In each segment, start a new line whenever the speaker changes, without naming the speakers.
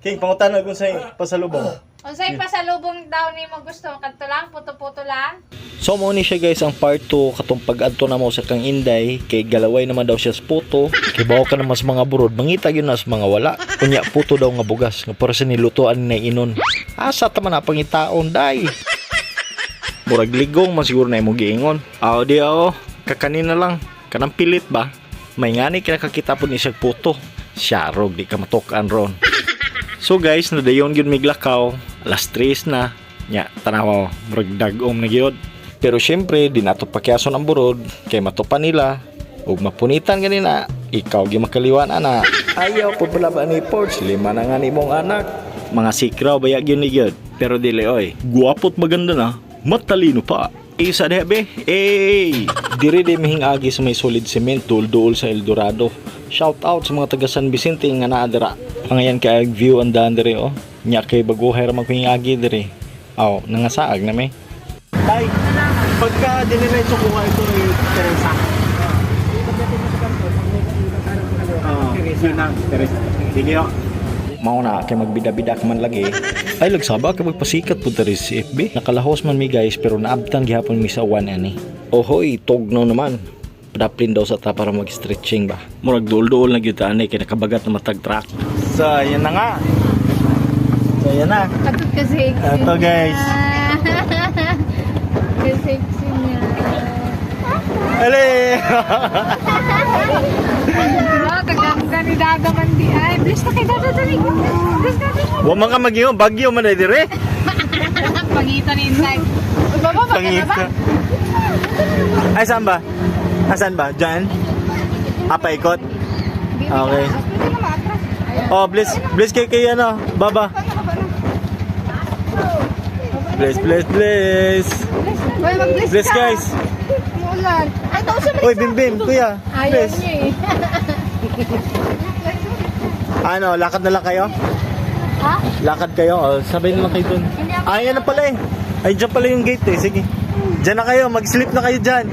King, pangutan kung sa'yo pasalubong.
Unsay pasalubong daw ni mo gusto? Kadto lang, puto-puto lang.
So mo ni siya guys ang part 2 katong pag-adto na mo sa kang Inday kay galaway naman daw siya sa puto. Kay bawa ka naman sa mga burod, mangita yun na sa mga wala. Kunya puto daw nga bugas nga para sa nilutoan na inon. Asa ta man na pangitaon day. Murag ligong man siguro na imo giingon. Aw di kakanina lang kanang pilit ba? May ngani kinakakita po ni siya puto. Siya rog di ka matukan ron. So guys, nadayon gyud miglakaw. Alas 3 na. Nya, tanaw, murag dagom na gyud. Pero syempre, di nato pakyason ang burod kay matupan nila. Ug mapunitan ganina, ikaw gi makaliwan ana. Ayaw po pala ba ni Porch? 5 na nga ni mong anak. Mga sikraw baya gyud ni gyud. Pero dili oy, guwapot maganda na. Matalino pa. Isa debe. Diri di mihingagi sa may solid cement duol sa Eldorado. Shout out sa mga taga San Vicente nga naa dira. Pangayan kay view ang daan diri Nya kay baguhay ra magpingagi diri. Aw, nangasaag na may.
Tay, pagka diniretso ko nga ito ni Teresa. Yun na, Teresa. Sige o.
Mao na kay magbida-bida ka man lagi. Ay lagsaba kay magpasikat pud diri si FB. Nakalahos man mi guys pero naabtan gihapon mi sa 1 ani. Ohoy, tugnaw naman. Padaplin daw sa ta para mag-stretching ba. Murag duol-duol na gyud ani kay nakabagat na matag track.
So, yan na nga. So, yan na.
Kadto kasi.
Ito guys.
Kasi niya.
Ale!
Kagam ni daga man di ay. Bless na kay daga dali. Bless na.
Wa man ka magyo, bagyo man ay dire.
Pangitan inside. Baba ba
Pangita. Ay, saan ba? Asan ba? Diyan? Apa ikot? Okay. Oh, bless kay ano, baba. Bless. Bless guys.
Mulan. Ay, daw siya.
Oy, Bim, kuya.
Ayaw
Bless.
niya eh.
Ano, lakad na lang kayo?
Ha?
Lakad kayo? Oh, sabay na lang kayo dun. Ay, yan na pala eh. Ay, dyan pala yung gate eh. Sige. Dyan na kayo. Mag-sleep na kayo dyan.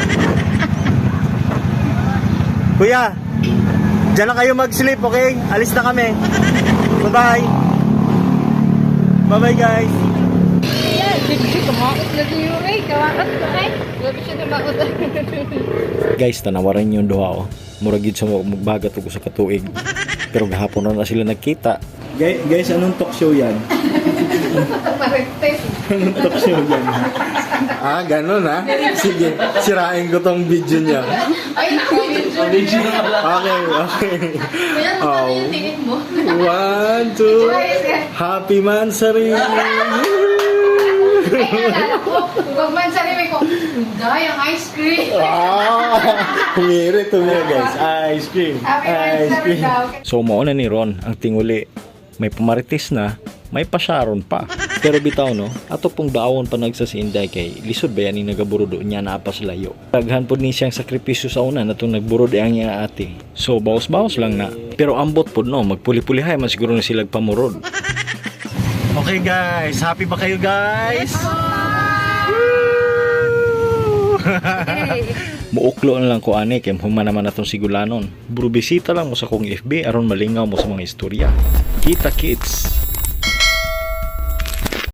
Kuya, dyan na kayo mag-sleep, okay? Alis na kami. Bye-bye. Bye-bye, guys.
Ayan, hindi ko maot lagi yung Ray. Kawakat ko ay. Labi siya na maot.
Guys, tanawaran yung duha Murag yun sa magbagat ko sa katuig. Pero gahapon na sila nagkita.
Guys, anong talk show yan?
Parektes.
Anong talk show yan? Ah, ganun ha? Sige, sirain ko tong video niya.
Ay, video na pala.
Okay.
Kaya naman
Oh.
yung tingin mo.
1, 2, Happy Mansari!
Ay, nalala ko. Huwag man sa limay ko. Day, ang ice cream.
Humiri guys. Ice cream. Ice cream.
So mauna ni Ron ang tinguli. May pamaritis na, may pasyaron pa. Pero bitaw no, ato pong daawon pa nagsasinday kay lisod ba yan yung nagaburod niya na apas layo. Taghan po ni siyang sakripisyo sa una na itong nagburod ang niya ate. So bawas-bawas lang na. Pero ambot po no, magpuli-pulihay man siguro na silag pamurod.
Okay guys, happy ba kayo guys?
Muuklo na lang ko ani kay human naman natong sigulanon. Buro bisita lang mo sa kong FB aron malingaw mo sa mga istorya. Kita kids.